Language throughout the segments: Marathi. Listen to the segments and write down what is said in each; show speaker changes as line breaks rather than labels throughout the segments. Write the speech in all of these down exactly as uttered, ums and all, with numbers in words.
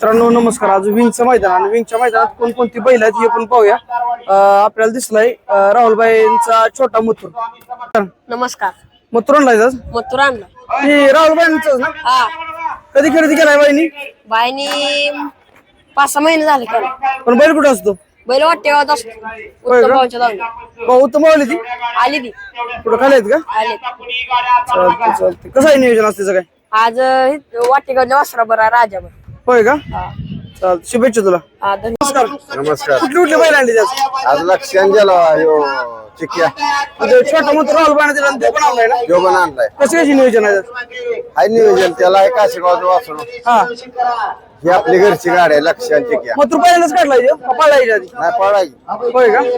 मित्रांनो नमस्कार. आज विंगचं मैदान आणि विंगच्या मैदानात कोणकोणती बैल आहेत हे पण पाहूया. अं, आपल्याला दिसलाय अं, राहुलबाईंचा छोटा मुथूर.
नमस्कार.
मुथूर आणलाय आज?
मथुर आणला.
हे राहुलबाईंचं ना?
हा.
कधी खरेदी केलाय बाईनी?
बाईनी पाच सहा महिने झाले केला.
पण बैल कुठं असतो?
बैल वाटेगावात असतो.
होय
उत्तम
का?
भाऊच्या जाऊन
भाऊ उत्तम मावली ती
आली ती
कुठं खाली आहेत का?
आले.
चालते चालते. कसं आहे नियोजन असते काय?
आज अं, वाटेगावच्या वासरा बरा राजावर.
होय का? चालते. शुभेच्छा तुला.
हा, धन्यवाद.
नमस्कार.
नमस्कार.
कुठली कुठली बैल आणली आज?
आज लक्षात गेला यो चिक्या
आता छोटा मुथूर राहुलबाईने दिला आणि ते पण आणलाय ना?
यो पण आणलाय.
कसं कशी नियोजन आहे आज?
हाय नियोजन त्याला आहे काशीगावचं वासरू.
हा
ही आपली घरची गाडी आहे लक्षात चिक्या.
मुथूर पहिल्यांदाच काढलाय ह्यो? का पाळलाय याच्या आधी?
नाही पळाई.
होय का?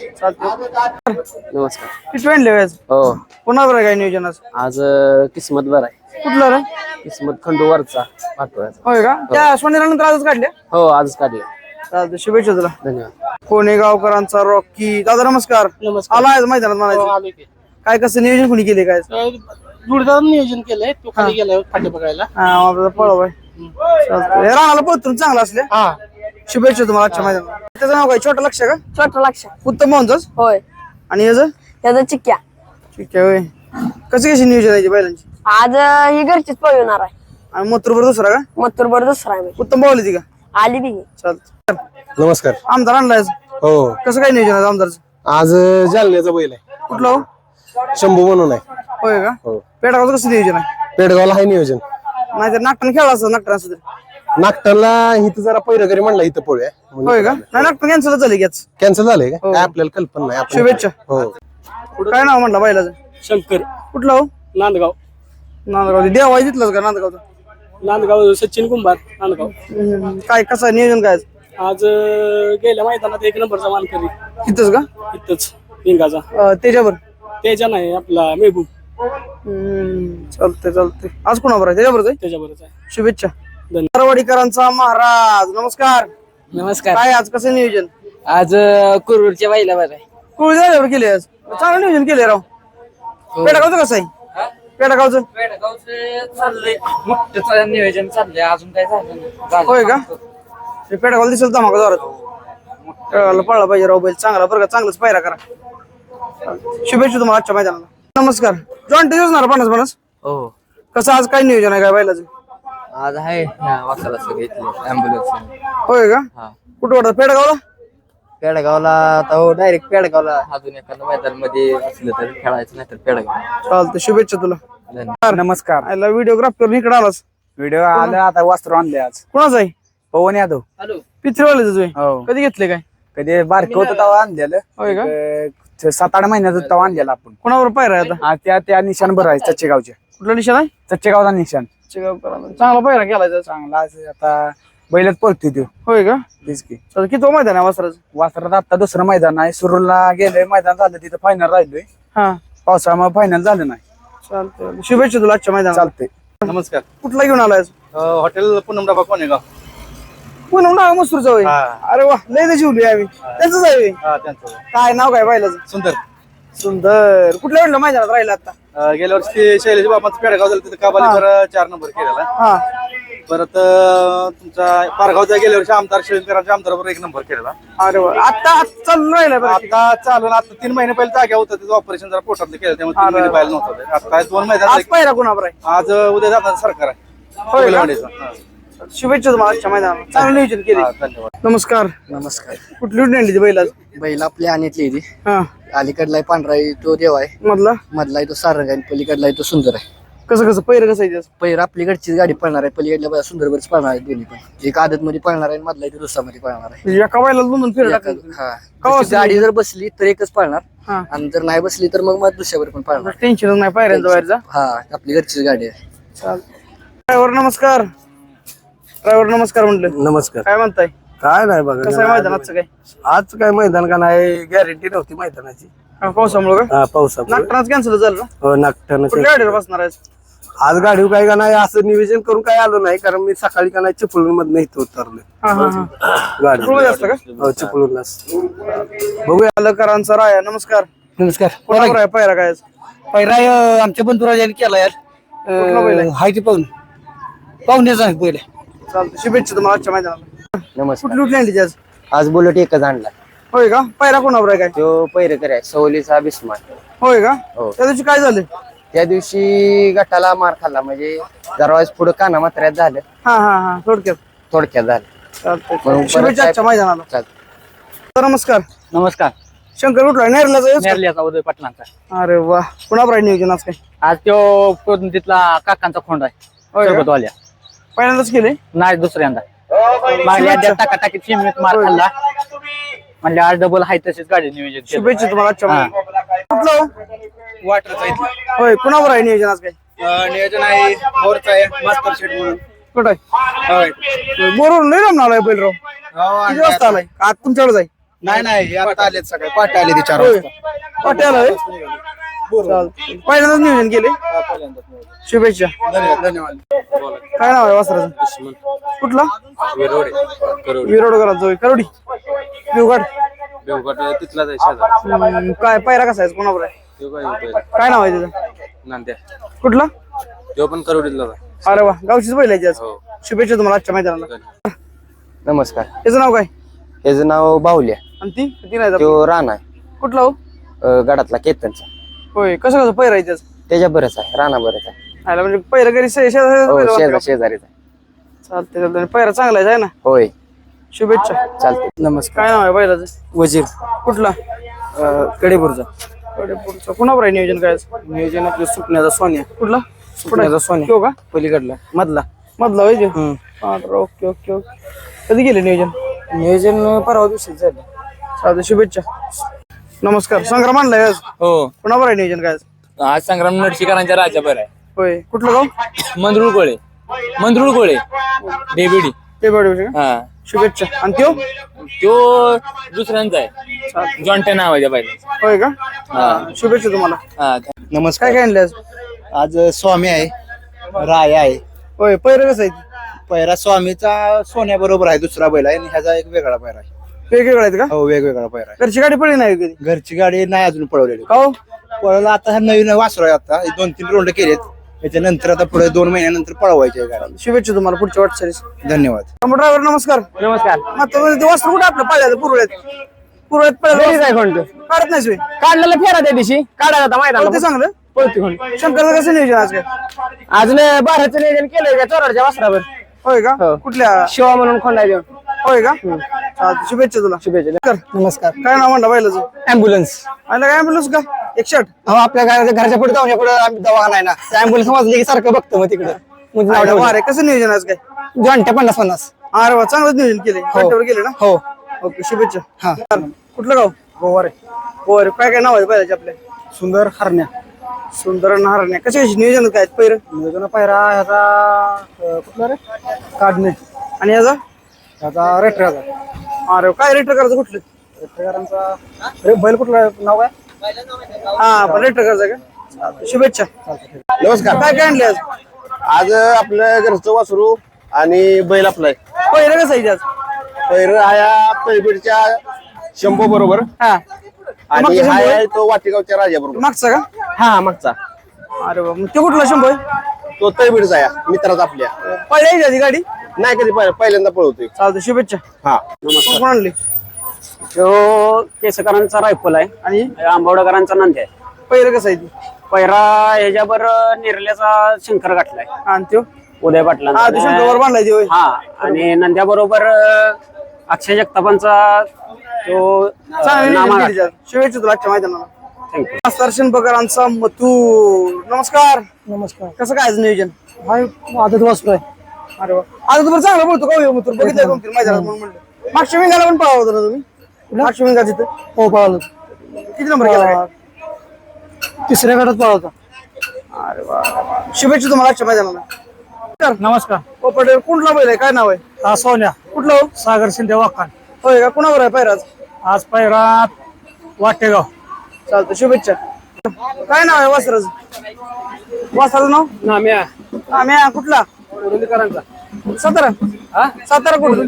चालते.
नमस्कार.
किती आणले व्याज?
हो
पुन्हा बरं काय नियोजन आज?
आज अं, किस्मत बरं आहे.
कुठलं रे?
किस्मत खंडूवरचा पाठवायचा.
होय का? त्या सोनेरानंतर आजच काढल्या?
हो आजच काढले.
चालते. शुभेच्छा तुला.
धन्यवाद.
कोणे गावकरांचा रॉकी. दादा नमस्कार. आला आहे मैदानात म्हणायचं. काय कसं नियोजन कोणी केले काय?
जोडदार नियोजन केलंय तो खाली गेलाय फाटे बघायला.
हा आपला पळव आहे. चालतंय. राणाला पळतून चांगला असल्या.
हा
शुभेच्छा तुम्हाला आजच्या मैदानात. त्याचं नाव काय? छोटा लक्ष का?
छोटा लक्ष.
उत्तम मोहनच.
होय.
आणि याचं?
त्याचा चिक्क्या.
ठीक आहे. होय. कशी कशी नियोजन आहे बैलांची?
आज अं, ही घरचीच पळवणार आहे.
आणि मोतरभर दुसरा का?
मथुर बरोबर दुसरा आहे.
उत्तम बावली ती का?
आली ती.
चालत.
नमस्कार.
आमदार आणलाय आज?
हो
कसं काय नियोजन आहे आमदारचं?
आज जालन्याचा बैल आहे.
कुठलं हो?
शंभू म्हणून आहे.
होय का?
हो.
पेटागावचं कसं नियोजन आहे?
पेडगावला आहे नियोजन.
नाहीतर नागटाने खेळला असतं. नागटाने असं तरी.
नागटाला इथं जरा पैरकरी म्हणला इथं पळूया.
होय का? नाही नागटाने कॅन्सल झाली गॅस.
कॅन्सल झालंय का? काय आपल्याला कल्पना नाही. आपण-
शुभेच्छा.
हो.
काय नाव म्हटलं बैलाचं?
शंकर
कुठलं हो?
नांदगाव.
नांदगाव. देवा तिथलंच का नांदगावचं?
नांदगाव सचिन कुंभार नांदगाव.
हम्म. काय कसं आहे नियोजन काय?
आज अं, गेल्या मैदानात एक नंबरचा मानकरी
तिथंच का?
इथंच पिंगाचा.
अं, त्याच्यावर.
तेजा नाही आपला मेहबूब
हम्म. चालतंय चालतंय. आज कोणावर आहे? त्याच्यावरच आहे.
त्याच्याबरोबर आहे.
शुभेच्छा.
धन्यवाद.
मारवाडीकरांचा महाराज नमस्कार.
नमस्कार.
काय आज कसं नियोजन?
आज कुरूरच्या बाईला बरं आहे.
कुळ झाल्यावर केले आज. चांगलं नियोजन केले राव. पेटागावचं कसं आहे? पेटागावचं
चाललंय मोठं नियोजन चाललंय. अजून काय झालं
होय का? ते पेटागावला दिसेल धमाका जोरात. पेटागावला पळला पाहिजे राव बैल चांगला बरं का. चांगलंच पायरा करा. शुभेच्छा तुम्हाला आजच्या मैदानाला. नमस्कार. जॉईंट असणार पन्नास पन्नास.
हो
कसं आज काय नियोजन आहे काय बैलाचं?
आज आहे वासाला सगळं घेतले ऍम्ब्युलन्स.
होय का?
हा
कुठं वाटत? पेटागावला?
पेडगावला आता हो डायरेक्ट पेडगावला अजून एखाद्या मैदान मध्ये असलं तर खेळायचं नाही तर पेडगाव.
चालतं. शुभेच्छा तुला.
धन्यवाद.
नमस्कार.
आयला व्हिडिओग्राफर इकडे आलास.
व्हिडिओ आला आता वस्त्र आणले आज.
कोणाच आहे?
पवन यादव.
पित्रेवाल्याच तुम्ही
हो.
कधी घेतले काय?
कधी बारकं होतं तेव्हा आणलेलं.
होय का?
एक सात आठ महिन्याचं तेव्हा आणलेलं आपण.
कोणावर पायरा आहे आता?
हा, त्या त्या निशाण बरं आहे चच्चेगावचे.
कुठला निशाण आहे?
चच्चेगावचा निशाण
चांगला पायरा केलाय त्याचा.
चांगला आहे. आता बैलच पळतोय तो.
होय का?
तेच की.
चालतं. किती मैदान आहे वासराचं?
वासरात आता दुसरं मैदान आहे. सुरूरला गेलंय मैदान झालं तिथं फायनल राहिलोय.
हा
पावसामुळे फायनल झालं नाही.
चालतंय. शुभेच्छा तुला आजच्या मैदानात.
चालतंय.
नमस्कार.
कुठला घेऊन आलाय?
हॉटेल पूनम डाबा कोणेगाव.
पुन्हा नाव मसूरचं होय. अरे वा लय शिवली आम्ही त्याच आहे.
हा त्यांचं
काय नाव काय बैलाचं?
सुंदर.
सुंदर. कुठल्या वेळेला मैदानात राहिला आता?
अं, गेल्या वर्षी शैलेश बाबांचं पेडगाव झालं तिथं काबालीवर चार नंबर केलेला.
हा
परत अं, तुमचा पारगावच्या गेल्या वर्षी आमदार शिवकरांच्या आमदाराबरोबर एक नंबर केलेला.
अरे वा. आता चालून राहिला बरं.
आता चालून आता तीन महिने पहिले जाग्या होतं त्याचं ऑपरेशन जरा पोटातलं केलं त्यामुळे तीन महिने पाहिलं नव्हतं ते. आता दोन महिन्यात
आज पायरा कोणावर आहे?
आज उद्या जाणार सरकार आहे.
होय का?
कोल्हावाडीचं. हा.
शुभेच्छा तुम्हाला आजच्या मैदानात. चांगलं नियोजन केले.
हा, धन्यवाद.
नमस्कार.
नमस्कार.
कुठली कुठली आणली ती बैल आज?
बैल आपली आणतली ती
हा
अलीकडला पांढरा आहे तो देव आहे.
मधला
मधला आहे तो सारंग आहे. पलीकडला आहे तो सुंदर आहे.
कसं कसं पैर कसं आहे त्याचं?
पहिला आपलीकडचीच गाडी पळणार आहे. पलीकडल्या सुंदर बरच पळणार आहे. दोन्ही पण एक आदत मध्ये पळणार आहे. मधला आहे तो दुसऱ्यामध्ये पळणार आहे.
म्हणजे एका बैलाला दोन दोन फेर टाकतात.
हा
कवा
जशी गाडी जर बसली तर एकच पळणार
हा
आणि जर नाही बसली तर मग मग दुसऱ्यावर पण पळणार.
टेन्शन नाही पायऱ्यांचा बाहेरचा.
हा आपली घरचीच गाडी आहे.
ड्रायव्हर नमस्कार. ड्रायव्हर नमस्कार म्हटलं.
नमस्कार.
काय म्हणताय?
काय नाही बघा.
कसं आहे मैदानाचं काय?
आज काय मैदान का नाही गॅरंटी नव्हती मैदानाची.
हा, पावसामुळे का?
हा, पावसामुळे.
नागटाच कॅन्सल झालं ना?
हो नागठाणं.
कुठल्या गाडीवर बसणार आहे?
आज गाडी काय का नाही असं नियोजन करून काय आलो नाही कारण मी सकाळी का नाही चिपळूण मधनं इथं उतरलो
हा हा हा
गाडी.
चिपळूणमध्ये असतं का?
हो चिपळूणलाच.
बघूया. अलकरांचा राया नमस्कार.
नमस्कार.
कोणावर आहे पायरा काय?
पहिला आमच्या बंधुराजाने केला यार.
कुठला बैल आहे?
हाय ते पाहून पाहुण्याचा आहे पहिला.
चालतं शुभेच्छा तुम्हाला आजच्या मैदानाला.
नमस्कार.
कुठली कुठली आणली आज?
आज बुलेट एकच आणला.
होय का? पायरा कोणावर आहे काय?
तो पैरेकर आहे सवलीचा बिस्मान.
होय का?
हो.
त्या दिवशी काय झालं?
त्या दिवशी गटाला मार खाल्ला म्हणजे जरा पुढे काना मात्र्यात झालं,
हा हा हा थोडक्यात.
थोडक्यात झालं.
चालतंय.
म्हणून परत
शुभेच्छा आजच्या
काय-
मैदानाला.
चालतं.
तर नमस्कार.
नमस्कार.
शंकर कुठला नेरल्याचा?
नेरल्याचा उदय पाटलांचा.
अरे वा, कुणावर आहे नियोजन आज काय?
आज तो कोण तिथला काकांचा खोंड आहे.
होय का?
सरबतवाल्या.
पहिल्यांदाच केले?
नाही दुसऱ्यांदा. मागल्या एकदा टाकाटाकीत सीमेत मार खाल्ला. म्हणजे आज डबल आहे तशीच गाडी नियोजन केलं.
शुभेच्छा तुम्हाला आजच्या
हा.
मैदानाला. कुठलं हो?
वाटरचा इथला
होय, कुणावर आहे नियोजन आज काय?
अं, नियोजन आहे बोरचा आहे मास्टर शेट म्हणून.
कुठं आहे?
होय.
बरोबर नाही रमणार आहे बैल राव.
हो,
किती वाजता आलाय? आज तुमच्याकडे आहे?
नाही नाही हे आता आलेत सगळे पाटे आले ते चार
होय.
वाजता.
पाट्याला आहे? चालतंय. पहिल्यांदाच नियोजन केले. शुभेच्छा.
धन्यवाद धन्यवाद.
काय नाव आहे वासराचं? कुठला? विरोड जोई करोडी देवगड.
तिथलाच आहे शेजार.
हम्म, काय पायरा कसा आहे कोणावर आहे?
तो काय
काय नाव आहे त्याचं?
नांद्या
कुठला?
तो पण करोडीतलाच आहे.
अरे वा, गावचीच बैल आहे ती आज.
हो.
शुभेच्छा तुम्हाला आजच्या मैदानाला.
नमस्कार.
त्याचं नाव काय?
त्याचं नाव बाहुल्या.
आणि ती ती नाही जात.
तो राणा आहे
कुठला हो?
अं, गडातला केतनचा.
होय, कसं कसं पैरा आहे त्याचं?
त्याच्या बरंच आहे, राणा बरंच आहे.
आयला म्हणजे पैरा घरी शे-
हो
शेजारी
शेजार शेजारीचा आहे.
चालतंय चालतंय. पैरा चांगला आहे ना.
होय
शुभेच्छा.
चालते.
नमस्कार.
काय नाव आहे बैलाचं?
वजीर
कुठला?
कडेपूरचा.
कडेपूरचा. कुणावर आहे नियोजन काय आज?
नियोजन आपलं सुकण्याचा सोन्या.
कुठला?
सुकण्याचा सोन्या
तो का?
पलीकडला मधला.
मधला होय तो?
हम्म.
हा, तर ओके ओके ओके. कधी गेले नियोजन?
नियोजन परवा दिवशी झालं.
चालतंय, शुभेच्छा. नमस्कार. संग्राम आणलाय आज?
हो.
कुणावर आहे नियोजन काय आज?
आज संग्राम नरशिकारांच्या राजाभर आहे.
होय, कुठलं गाव?
मंदरुळ गोळे. मंदरुळ गोळे. डेबिडी.
ते बडे का?
हा.
शुभेच्छा. आणि त्यो?
तो दुसऱ्यांचा आहे. जॉन्टे नाव आहे त्या बाईला.
होय का? हा, शुभेच्छा तुम्हाला.
हा.
नमस्कार.
काय काय आणले आज?
आज स्वामी आहे राय आहे.
होय, पैर कसं आहे?
पहिला स्वामीचा सोन्या बरोबर आहे दुसरा बैल आहे आणि ह्याचा एक वेगळा पैरा आहे.
वेगवेगळं आहेत का?
हो वेगवेगळा पैरा आहे.
घरची गाडी पडली नाही कधी?
घरची गाडी नाही अजून पळवलेली.
का हो?
पळवला आता हा नवीन वासरू आहे. आता हे दोन तीन रोंड केलेत. त्याच्यानंतर आता पुढे दोन महिन्यानंतर पळवायची आहे गाडी.
शुभेच्छा तुम्हाला पुढच्या वाटचालीस.
धन्यवाद.
ड्रायव्हर नमस्कार.
नमस्कार.
मात्र ते वस्त्र कुठे आपलं पाहिलं पुरवळ्यात? पुरवळ्यात पाहिलं काढत नाही सोय.
काढलेला फेरा त्या दिवशी काढायला होता
ते
मैदानाला.
चांगलं.
पळती खोंड.
शंकरचं कसं नियोजन आज काय?
आज बाराचं नियोजन केलंय त्या चोराच्या वस्त्रावर.
होय का? कुठल्या?
शिवा म्हणून खोंड आहे.
होय का? चालतंय, शुभेच्छा तुला.
शुभेच्छा.
नमस्कार. काय नाव म्हणता बैलाचं?
अँब्युलन्स.
आला काय ॲम्ब्युलन्स का? एकशे आठ.
हो आपल्या घराच्या घराच्या पुढे जाऊन पुढे आम्ही दवाखाना आहे ना त्या अँब्युलन्स समजले की सारखं बघतो मग तिकडे
अरे कसं नियोजन आज काय?
जॉन्टे पन्नास पन्नास.
अरे वा, चांगलंच नियोजन केले. घाटावर गेले ना?
हो.
ओके, शुभेच्छा. हा, कुठलं गाव? गोवारे. गोवारे. काय काय नाव आहे बैलाचे आपले?
सुंदर हरण्या.
सुंदर नारण्या. कसे नियोजन काय पैर?
नियोजन पायरा ह्याचा अं, कुठला रे काढणे
आणि याचा?
ह्याचा रेटराचा.
अरे काय रेटर करायचं कुठलं?
रेटरांचा रे बैल कुठला नाव काय?
हा, पण रेटर करायचं का? चालतंय, शुभेच्छा.
नमस्कार.
काय काय आणले आज?
आज आपलं घरचं वासरू आणि बैल आपलाय
पहिलं कसं आहे आज?
पैर आया तळबीडच्या शंभू बरोबर
हा,
आणि
मागचा
हा
शंभू आहे?
आहे तो वाटेगावच्या राजा बरोबर.
मागचा का?
हा मागचा
अरे वा, मग ते कुठला शंभू आहे?
तो तळबीडचा आहे मित्राचा आपल्या.
पळली आहे ती गाडी?
नाही कधी पाहिलं, पहिल्यांदा पळवतोय.
चालतंय, शुभेच्छा.
हा
कोण कोण आणली?
तो केसकरांचा रायफल आहे
आणि
आंबवडेकरांचा नांदी आहे.
पहिलं कसं आहे ती?
पैरा ह्याच्यावर निर्ल्याचा शंकर गाठलाय
आणि त्यो?
उदय
हा, ते
पाटलांचा.
शंकरवर बांधलाय ती होय.
हा आणि नंद्या बरोबर अक्षय जगतापांचा तो
चांगलं नियोजन
नामा
केली आज. शुभेच्छा तुला आजच्या मैदानाला.
थँक्यू.
मास्तर शंभकरांचा मथू. नमस्कार.
नमस्कार.
कसं काय आज नियोजन?
हाय आदत वासरू आहे.
अरे वा, आता तुम्हाला चांगलं बोलतो का? मथुर बघितलं दोन तीन मैदानात म्हणून म्हणलं. मागच्या विंगाला पण पळावं होतं ना तुम्ही? मागच्या विंगा तिथं
हो पळालो.
किती नंबर केला काय?
तिसऱ्या गटात पळावता.
अरे वा, शुभेच्छा तुम्हाला आजच्या मैदानाला.
नमस्कार.
ओ पटेल, कुठला बैल आहे? काय नाव आहे?
हा सोन्या.
कुठला हो?
सागर शिंदे वाकान.
होय का? कुणावर आहे पैराज?
आज पायरा वाटेगाव.
चालतं, शुभेच्छा. काय नाव आहे वासराचं? वासराचं नाव?
नाम्या.
आम्ही कुठला? सातारा. सातारा कुठून?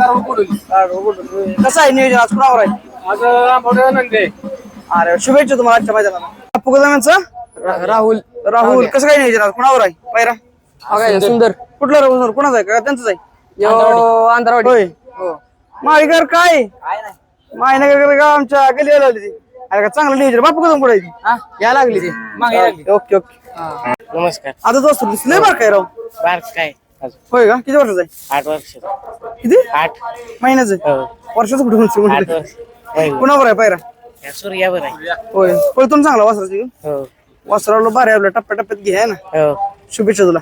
कसं आहे नियोजन आज? कुणावर आहे?
आज आंबवडे नंदे.
अरे शुभेच्छा तुम्हाला आजच्या मैदानाला. पुगदाम्यांचं
राहुल.
राहुल. कसं काय नियोजन आज? कुणावर आहे पैरा?
सुंदर.
कुठला राहुल? कुणाचा आहे का त्यांचंच आहे? यो आंध्रवाडी होय माळीकर काय मायनगर गाव आमच्या गलीला लावली ती अरे का चांगलं नियोजन बापू कदम पुढे
या लागली ती
ओके ओके
नमस्कार
आता दोस्त दिसले बार काय राव
बार काय
होय का किती वर्षाचा आहे
आठ वर्ष
किती
आठ
महिन्याचं वर्षाचं कुठे म्हणते
आठ
म्हणजे
वर्ष
कुणावर आहे पायरा
सूर्यावर आहे
होय पळतून चांगला वासराची
हो
वासराला बारे आपल्या टप्प्या टप्प्यात घे आहे ना
हो
शुभेच्छा तुला